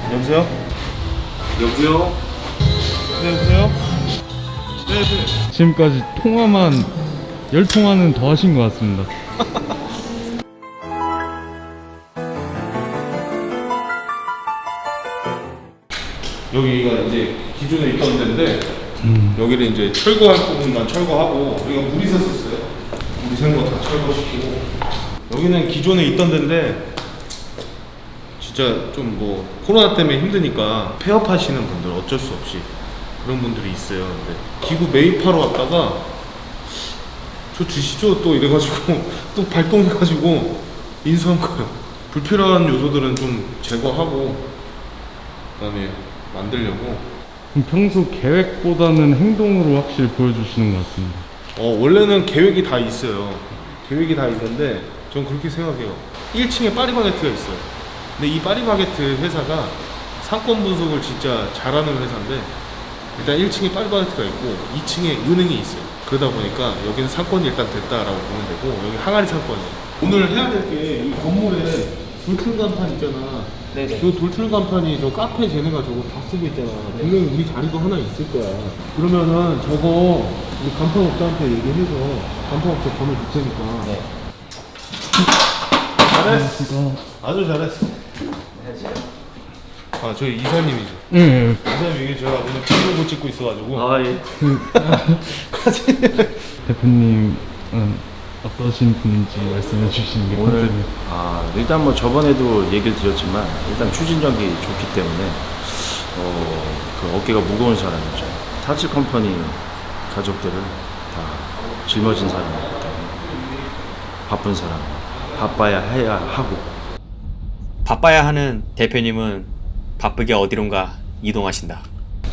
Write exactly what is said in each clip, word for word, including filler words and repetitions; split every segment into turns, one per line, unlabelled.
여보세요?
여보세요?
네, 여보세요? 네, 네.
지금까지 통화만 열 통화는 더 하신 것 같습니다.
여기가 이제 기존에 있던 데인데
음.
여기를 이제 철거할 부분만 철거하고 여기가 물이 샜었어요. 물이 샌 거 다 철거시키고 여기는 기존에 있던 데인데 진짜 좀 뭐 코로나 때문에 힘드니까 폐업하시는 분들 어쩔 수 없이 그런 분들이 있어요. 근데 기구 매입하러 왔다가 저 주시죠 또 이래가지고 또 발동해가지고 인수한 거예요. 불필요한 요소들은 좀 제거하고 그다음에 만들려고.
그럼 평소 계획보다는 행동으로 확실히 보여주시는 것 같습니다.
어 원래는 계획이 다 있어요. 계획이 다 있는데 전 그렇게 생각해요. 일 층에 파리바게트가 있어요. 근데 이 파리바게트 회사가 상권 분석을 진짜 잘하는 회사인데 일단 일 층에 파리바게트가 있고 이 층에 은행이 있어요. 그러다 보니까 여기는 상권이 일단 됐다라고 보면 되고 여기 항아리 상권이에요. 오늘 해야 될 게 이 건물에 돌출 간판 있잖아.
네네.
저 돌출 간판이 저 카페 쟤네가 저거 다 쓰고 있잖아. 분명히 우리 자리도 하나 있을 거야. 그러면은 저거 우리 간판업자한테 얘기해서 간판업자 번호 줄 테니까.
네.
잘했어. 아주 잘했어. 아 저희 이사님이죠.
예, 예.
이사님 이게 제가 오늘 브이로그 찍고 있어가지고.
아, 예.
대표님은 어떠신 분인지 말씀해 주시는 게
오늘,
컨셉이에요.
아, 일단 뭐 저번에도 얘기를 드렸지만, 일단 추진력이 좋기 때문에, 어, 그 어깨가 무거운 사람이죠. 타치 컴퍼니 가족들을 다 짊어진 사람이기 때문에, 바쁜 사람, 바빠야 해야 하고,
바빠야 하는 대표님은 바쁘게 어디론가 이동하신다.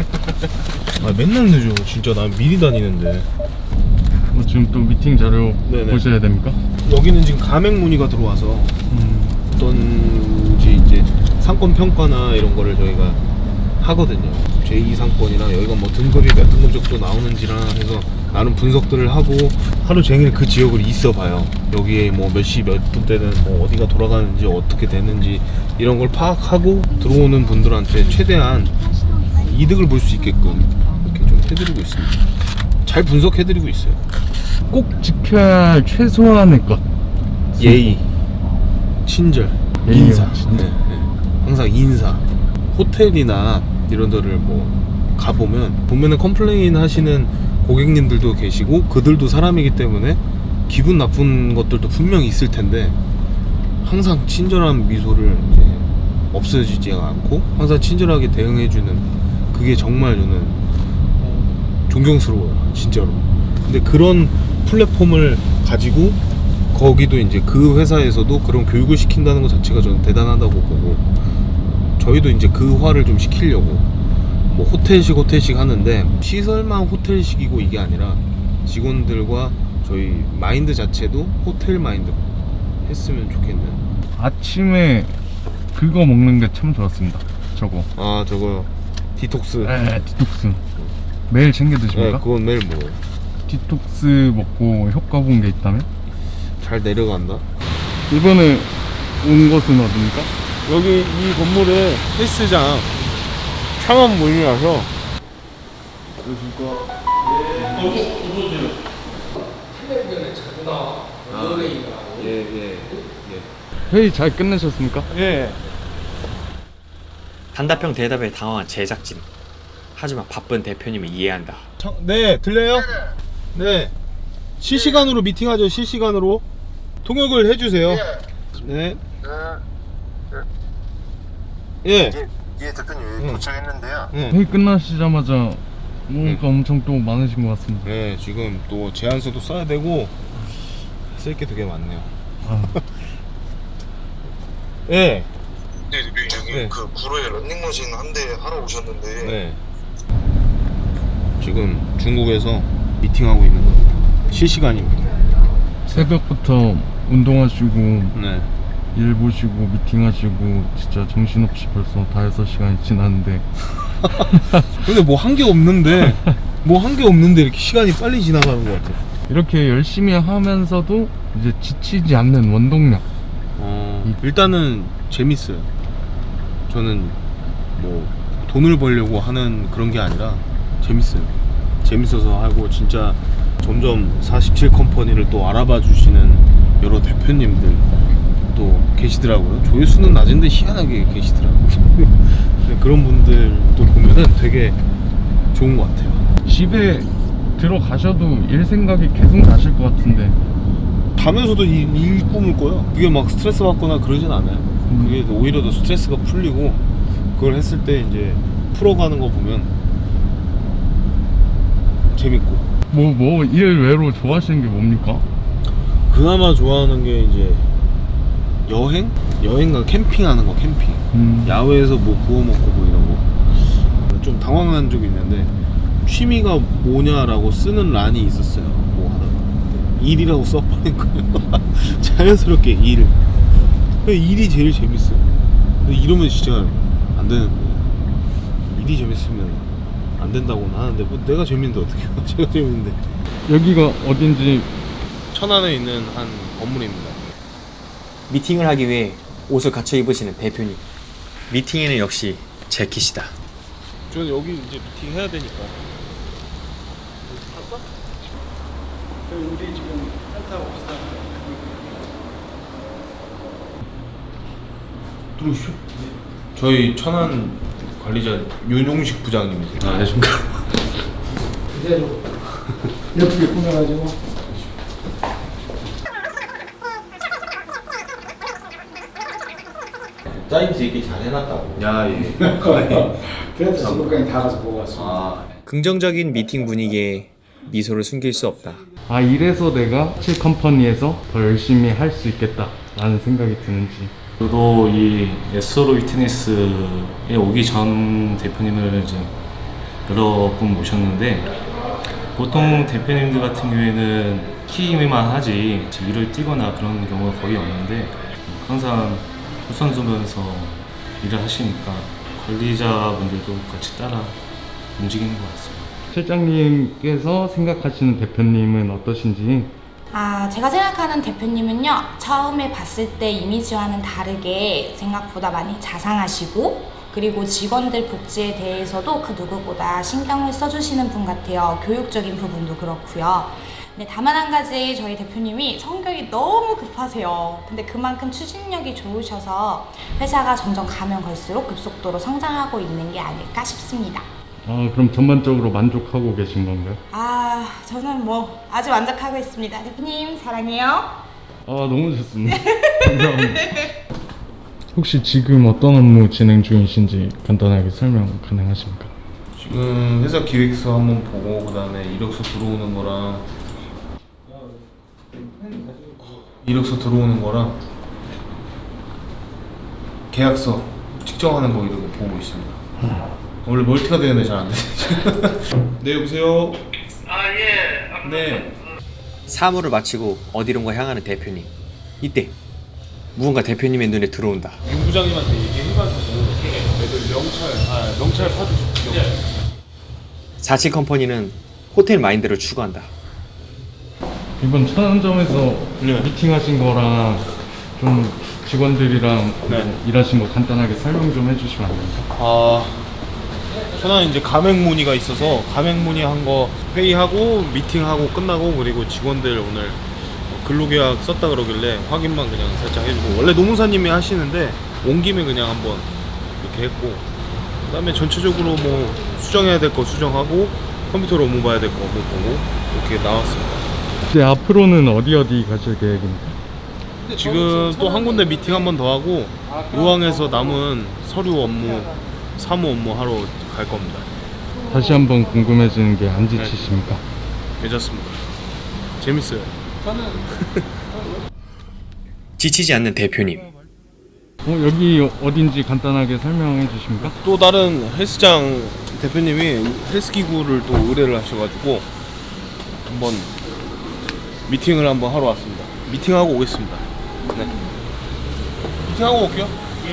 아 맨날 늦어. 진짜 난 미리 다니는데.
어, 지금 또 미팅 자료
네네.
보셔야 됩니까?
여기는 지금 가맹 문의가 들어와서
음.
어떤지 이제 상권 평가나 이런 거를 저희가 하거든요. 제이 상권이랑 여기가 뭐 등급이 몇 등급 정도 나오는지랑 해서 나름 분석들을 하고 하루 종일 그 지역을 있어 봐요. 여기에 뭐 몇 시 몇 분 때는 뭐 어디가 돌아가는지 어떻게 되는지 이런 걸 파악하고 들어오는 분들한테 최대한 이득을 볼 수 있게끔 이렇게 좀 해드리고 있습니다. 잘 분석해드리고 있어요.
꼭 지켜야 할 최소한의 것.
예의, 친절,
예의와
인사.
친절.
네, 네. 항상 인사. 호텔이나 이런 데를 뭐 가보면 보면은 컴플레인 하시는 고객님들도 계시고 그들도 사람이기 때문에 기분 나쁜 것들도 분명히 있을 텐데 항상 친절한 미소를 이제 없어지지 않고 항상 친절하게 대응해주는 그게 정말 저는 존경스러워요, 진짜로. 근데 그런 플랫폼을 가지고 거기도 이제 그 회사에서도 그런 교육을 시킨다는 것 자체가 저는 대단하다고 보고 저희도 이제 그 화를 좀 시키려고 뭐 호텔식 호텔식 하는데 시설만 호텔식이고 이게 아니라 직원들과 저희 마인드 자체도 호텔 마인드로 했으면 좋겠는.
아침에 그거 먹는 게 참 좋았습니다. 저거.
아 저거 디톡스.
에, 디톡스. 매일 챙겨
네,
드십니까?
그건 매일 먹어요.
디톡스 먹고 효과 본 게 있다면?
잘 내려간다.
이번에 온 곳은 어디입니까?
여기 이 건물에 헬스장 창업 모임이라서. 그러니까 예예 예.
회의 잘 끝내셨습니까?
예.
단답형 대답에 당황한 제작진. 하지만 바쁜 대표님을 이해한다.
청, 네 들려요? 네. 실시간으로 미팅하죠. 실시간으로 통역을 해주세요. 네. 예.
예, 예 대표님
응.
도착했는데요.
응.
회의 끝나시자마자 뭔가 엄청 또 많으신 것 같습니다.
네 지금 또 제안서도 써야 되고 쓸 게 되게 많네요.
아,
예.
네, 대표님 여기
네.
그 구로에 런닝머신 한 대 하러 오셨는데
네. 지금 중국에서 미팅하고 있는 겁니다. 실시간입니다.
새벽부터 운동하시고
네.
일 보시고 미팅하시고 진짜 정신없이 벌써 다 여섯 시간이 지났는데
근데 뭐 한 게 없는데 뭐 한 게 없는데 이렇게 시간이 빨리 지나가는 것 같아요.
이렇게 열심히 하면서도 이제 지치지 않는 원동력.
어, 일단은 재밌어요. 저는 뭐 돈을 벌려고 하는 그런 게 아니라 재밌어요. 재밌어서 하고 진짜 점점 사십칠 컴퍼니를 또 알아봐 주시는 여러 대표님들 또 계시더라고요. 조회수는 낮은데 희한하게 계시더라고요. 근데 그런 분들도 보면은 되게 좋은 것 같아요.
집에 들어가셔도 일 생각이 계속 나실 것 같은데.
가면서도 이, 일 꿈을 꿔요. 그게 막 스트레스 받거나 그러진 않아요. 그게 오히려 더 스트레스가 풀리고, 그걸 했을 때 이제 풀어가는 거 보면 재밌고.
뭐 뭐 일 외로 좋아하시는 게 뭡니까?
그나마 좋아하는 게 이제 여행? 여행과 캠핑하는 거. 캠핑
음.
야외에서 뭐 구워 먹고 뭐 이런 거. 좀 당황한 적이 있는데, 취미가 뭐냐라고 쓰는 란이 있었어요. 뭐 하다가 일이라고 써버린 거예요. 자연스럽게 일. 일이 제일 재밌어요. 근데 이러면 진짜 안 되는 거예요. 일이 재밌으면 안 된다고는 하는데, 뭐 내가 재밌는데 어떻게 해요? 제가 재밌는데.
여기가 어딘지.
천안에 있는 한 건물입니다.
미팅을 하기 위해 옷을 갖춰 입으시는 대표님. 미팅에는 역시 재킷이다.
저는 여기 이제 미팅 해야 되니까. 봤어? 우리 지금 센터 옵시다. 들어오시죠. 저희 천안 관리자 윤용식 부장님이세요. 아, 안녕하십니까.
그대로 예쁘게 꾸며가지고
짜임새 있게 잘 해놨다고. 야, 예.
그래도 지금까지 다 가서 보고 왔습니다.
아,
긍정적인 미팅 분위기에 미소를 숨길 수 없다.
아, 이래서 내가 칠 컴퍼니에서 더 열심히 할 수 있겠다 라는 생각이 드는지.
저도 이 에스오로 위트니스에 오기 전 대표님을 이제 여러 분 모셨는데, 보통 대표님들 같은 경우에는 키임에만 하지 일을 뛰거나 그런 경우가 거의 없는데, 항상 우선순위에서 일을 하시니까 관리자분들도 같이 따라 움직이는 것 같습니다.
실장님께서 생각하시는 대표님은 어떠신지.
아, 제가 생각하는 대표님은요, 처음에 봤을 때 이미지와는 다르게 생각보다 많이 자상하시고, 그리고 직원들 복지에 대해서도 그 누구보다 신경을 써주시는 분 같아요. 교육적인 부분도 그렇고요. 근데 다만 한 가지, 저희 대표님이 성격이 너무 급하세요. 근데 그만큼 추진력이 좋으셔서 회사가 점점 가면 갈수록 급속도로 성장하고 있는 게 아닐까 싶습니다.
아, 그럼 전반적으로 만족하고 계신 건가요?
아, 저는 뭐 아주 만족하고 있습니다. 대표님 사랑해요.
아, 너무 좋습니다. 감사합니다. 혹시 지금 어떤 업무 진행 중이신지 간단하게 설명 가능하십니까?
지금 회사 기획서 한번 보고, 그 다음에 이력서 들어오는 거랑 이력서 들어오는 거랑 계약서 측정하는 거 이런 거 보고 있습니다. 원래 멀티가 되는데 잘 안 되네. 네, 여보세요. 아, 예. 네.
사무를 마치고 어디론가 향하는 대표님. 이때 무언가 대표님의 눈에 들어온다.
윤 부장님한테 얘기해가지고 애들 명찰, 아 명찰 사주십시오.
사칠 컴퍼니는 호텔 마인드를 추구한다.
이번 천안점에서
네.
미팅하신 거랑 좀 직원들이랑
네.
뭐 일하신 거 간단하게 설명 좀 해주시면 안 됩니까?
아, 천안 이제 가맹 문의가 있어서 가맹 문의한 거 회의하고 미팅하고 끝나고, 그리고 직원들 오늘 근로계약 썼다 그러길래 확인만 그냥 살짝 해주고, 원래 노무사님이 하시는데 온 김에 그냥 한번 이렇게 했고, 그 다음에 전체적으로 뭐 수정해야 될 거 수정하고 컴퓨터로 업무 봐야 될 거 업무 보고 이렇게 나왔습니다.
이제 앞으로는 어디 어디 가실 계획입니까?
지금 또 한 군데 미팅 한 번 더 하고, 의왕에서 남은 서류 업무, 사무 업무 하러 갈 겁니다.
다시 한번 궁금해지는 게 안 지치십니까?
괜찮습니다. 재밌어요.
지치지 않는 대표님.
어, 여기 어딘지 간단하게 설명해 주십니까?
또 다른 헬스장 대표님이 헬스 기구를 또 의뢰를 하셔가지고 한번 미팅을 한번 하러 왔습니다. 미팅하고 오겠습니다. 네. 미팅하고 올게요.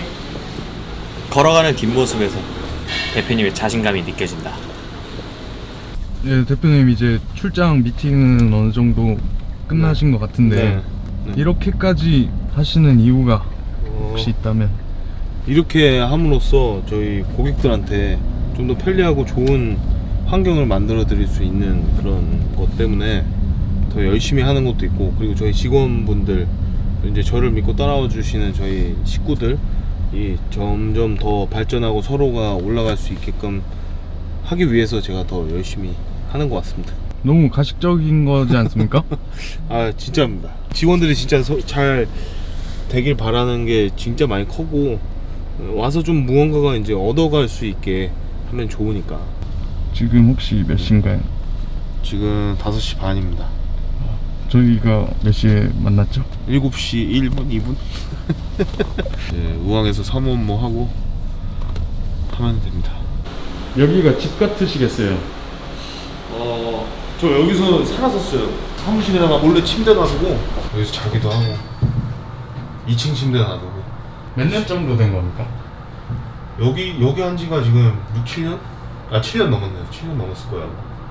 걸어가는 뒷모습에서 대표님의 자신감이 느껴진다.
네, 대표님 이제 출장 미팅은 어느 정도 끝나신 것 같은데
네. 네.
이렇게까지 하시는 이유가
어,
혹시 있다면?
이렇게 함으로써 저희 고객들한테 좀 더 편리하고 좋은 환경을 만들어 드릴 수 있는 그런 것 때문에 더 열심히 하는 것도 있고, 그리고 저희 직원분들 이제 저를 믿고 따라와 주시는 저희 식구들이 점점 더 발전하고 서로가 올라갈 수 있게끔 하기 위해서 제가 더 열심히 하는 것 같습니다.
너무 가식적인 거지 않습니까?
아 진짜입니다. 직원들이 진짜 서, 잘 되길 바라는 게 진짜 많이 크고, 와서 좀 무언가가 이제 얻어갈 수 있게 하면 좋으니까.
지금 혹시 몇 시인가요?
지금 다섯 시 반입니다.
저희가 몇 시에 만났죠?
일곱 시 일 분, 이 분? 네, 우왕에서 삼원모 하고 하면 됩니다.
여기가 집 같으시겠어요?
어, 저 여기서 살았었어요. 사무실에다가 몰래 침대 놔두고 여기서 자기도 하고 이 층 침대 놔두고.
몇 년 정도 된 겁니까?
여기 여기 한 지가 지금 육, 칠 년? 아 칠 년 넘었네요. 칠 년 넘었을 거야.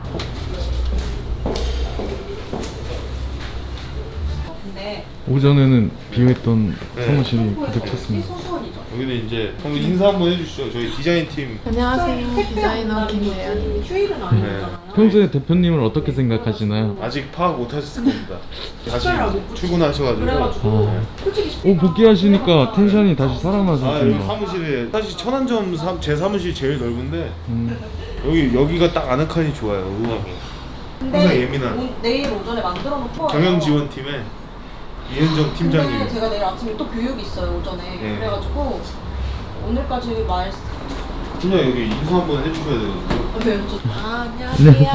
오전에는 비어있던
네.
사무실이 가득 찼습니다.
여기는 이제 한번 인사 한번 해주시죠. 저희 디자인 팀.
안녕하세요. 디자이너 김대현입니다.
네.
평소에 대표님을 어떻게 생각하시나요?
아직 파악 못 하셨을 겁니다. 다시 출근하셔가지고.
아, 오, 복귀하시니까 텐션이 다시
아 여기
살아나셨습니다.
사무실에 사실 천안점 사, 제 사무실 제일 넓은데
음,
여기 여기가 딱 아는 칸이 좋아요. 의왕이. 항상 예민한
오, 내일 오전에 만들어 놓고
경영 지원팀의 이은정 팀장님.
근데 제가 내일 아침에 또 교육이 있어요 오전에.
네.
그래가지고 오늘까지 말.
팀장 여기 인사 한번 해주셔야 되거든요.
네, 저... 아 안녕하세요.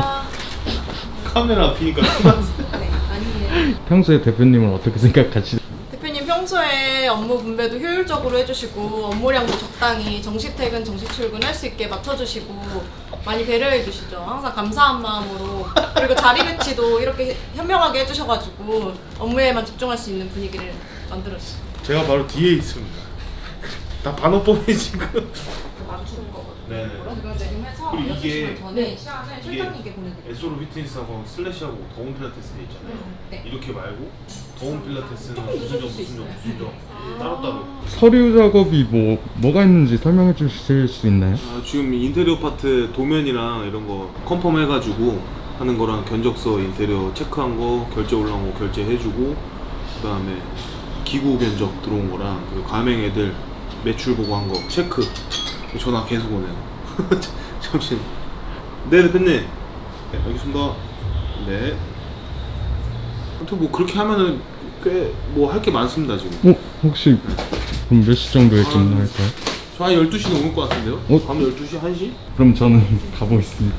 카메라 앞이니까 크다.
네 아니에요.
평소에 대표님을 어떻게 생각하시나요?
대표님 평소에 업무 분배도 효율적으로 해주시고 업무량도 적당히 정시 퇴근, 정시 출근 할 수 있게 맞춰주시고 많이 배려해 주시죠. 항상 감사한 마음으로. 그리고 자리 배치도 이렇게 현명하게 해주셔가지고 업무에만 집중할 수 있는 분위기를 만들어주세요.
제가 바로 뒤에 있습니다. 다 반어법이 지금.
맞추는 거거든요.
네네.
그거 지금 해서
그리고
여섯
이게-
시간 전에 시간을
이게
실장님께 보내드릴게요.
에소로 피트니스하고 슬래시하고 더운 필라테스 돼 있잖아요.
네.
이렇게 말고 더운 필라테스는 무슨 점 무슨 점 무슨 점 따로따로.
서류 작업이 뭐 뭐가 있는지 설명해 주실 수 있나요?
아, 지금 인테리어 파트 도면이랑 이런 거 컨펌 해가지고 하는 거랑 견적서 인테리어 체크한 거 결제 올라온 거 결제해주고, 그 다음에 기구 견적 들어온 거랑 그리고 가맹 애들 매출 보고 한 거 체크. 전화 계속 오네요. 잠시. 네 대표님. 네, 알겠습니다. 네. 아무튼 뭐 그렇게 하면은 꽤 뭐 할 게 많습니다 지금.
어, 혹시 그럼 몇 시 정도에 끝날까요?
저 한 열두 시 넘을 것 같은데요?
어?
밤 열두 시, 한 시?
그럼 저는 가보겠습니다.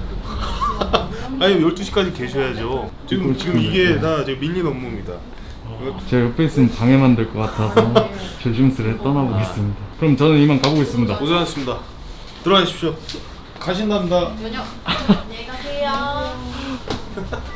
아니 열두 시까지 계셔야죠. 지금 지금 이게 다 지금 밀린 업무입니다.
제가 옆에 있으면 방해만 될 것 같아서 조심스레 떠나보겠습니다. 그럼 저는 이만 가보겠습니다.
고생하셨습니다. 들어가십시오. 가신답니다.
안녕. 안녕히 가세요.